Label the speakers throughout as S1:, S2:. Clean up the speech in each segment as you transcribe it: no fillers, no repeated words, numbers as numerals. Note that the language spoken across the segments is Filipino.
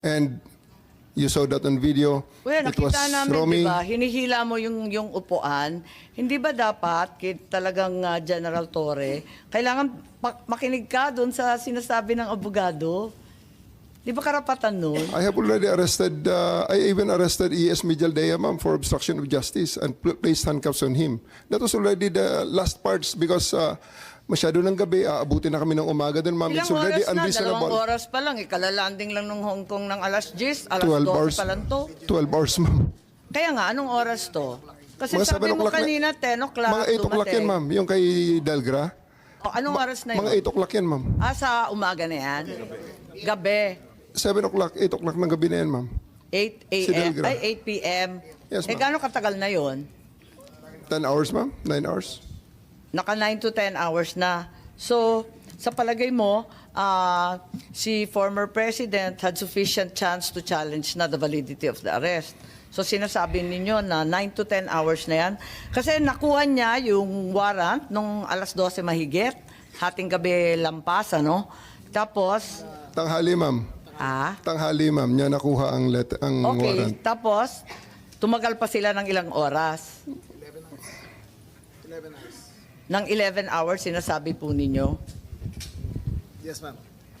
S1: And you saw that on video.
S2: Well,
S1: It was
S2: nakita namin,
S1: Romy.
S2: di ba, hinihila mo yung upuan. Hindi ba dapat, talagang General Torre, kailangan makinig ka doon sa sinasabi ng abogado? Di ba karapatan nun?
S1: I have already arrested, I even arrested E.S. Mijaldea, ma'am, for obstruction of justice and placed handcuffs on him. That was already the last parts because masyado ng gabi, aabutin na kami ng umaga din, ma'am.
S2: Ilang
S1: It's already
S2: oras na?
S1: unreasonable.
S2: 2 oras pa lang. Ikalalanding lang ng Hong Kong ng alas 10, alas
S1: 12
S2: 12
S1: hours.
S2: pa lang to.
S1: 12 hours, ma'am.
S2: Kaya nga, anong oras to? Kasi
S1: Mga
S2: sabi
S1: 7
S2: mo
S1: o'clock na-
S2: kanina, 10 o'clock
S1: Mga 8 o'clock yan, ma'am. Yung kay Delgra.
S2: O, anong oras na yun?
S1: Mga 8 o'clock yan, ma'am.
S2: Sa umaga na yan? Gabi.
S1: 7 o'clock, 8 o'clock ng gabi na yan, ma'am.
S2: 8
S1: Si
S2: a.m.
S1: Delgra.
S2: Ay, 8 p.m.
S1: Yes, ma'am.
S2: Gaano katagal na yon?
S1: 10 hours, ma'am. 9 hours.
S2: Naka 9 to 10 hours na. So, sa palagay mo, si former president had sufficient chance to challenge na the validity of the arrest. So, sinasabi ninyo na 9 to 10 hours na yan. Kasi nakuha niya yung warrant nung alas 12 mahigit, hating gabi lampas, ano? Tapos,
S1: Tanghali, ma'am. Tanghali, ma'am. Niya nakuha ang
S2: okay,
S1: warrant.
S2: tapos, tumagal pa sila ng ilang oras?
S3: 11 hours.
S2: Ng 11 hours, sinasabi po ninyo?
S3: Yes, ma'am.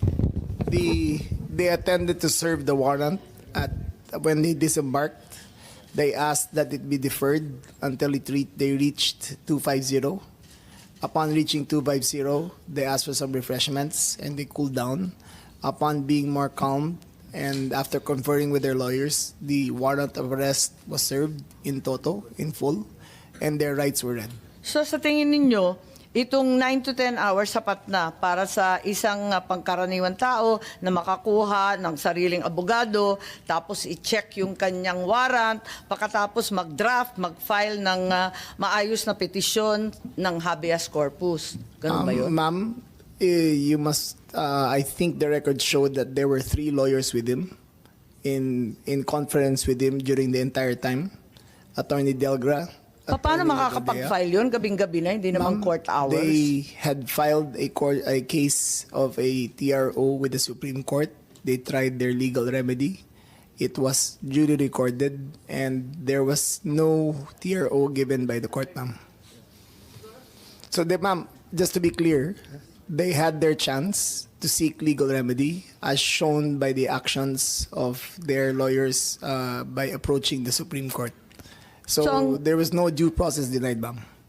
S3: They attended to serve the warrant when they disembarked. They asked that it be deferred until they reached 250. Upon reaching 250, they asked for some refreshments and they cooled down. Upon being more calm and after conferring with their lawyers, the warrant of arrest was served in toto, in full, and their rights were read.
S2: So sa tingin ninyo, itong 9 to 10 hours sapat na para sa isang pangkaraniwan tao na makakuha ng sariling abogado, tapos i-check yung kanyang warrant, pagkatapos mag-draft, mag-file ng maayos na petisyon ng habeas corpus. Ganun ba yun?
S3: Ma'am, you must, I think the record showed that there were 3 lawyers with him in conference with him during the entire time. Attorney Delgra.
S2: Paano
S3: Attorney
S2: makakapag-file yun? Gabing-gabi na, hindi naman
S3: Ma'am,
S2: court hours.
S3: They had filed a case of a TRO with the Supreme Court. They tried their legal remedy. It was duly recorded and there was no TRO given by the court, ma'am. So, ma'am, just to be clear, they had their chance to seek legal remedy as shown by the actions of their lawyers by approaching the Supreme Court. So,
S2: So,
S3: there was no due process denied, ma'am.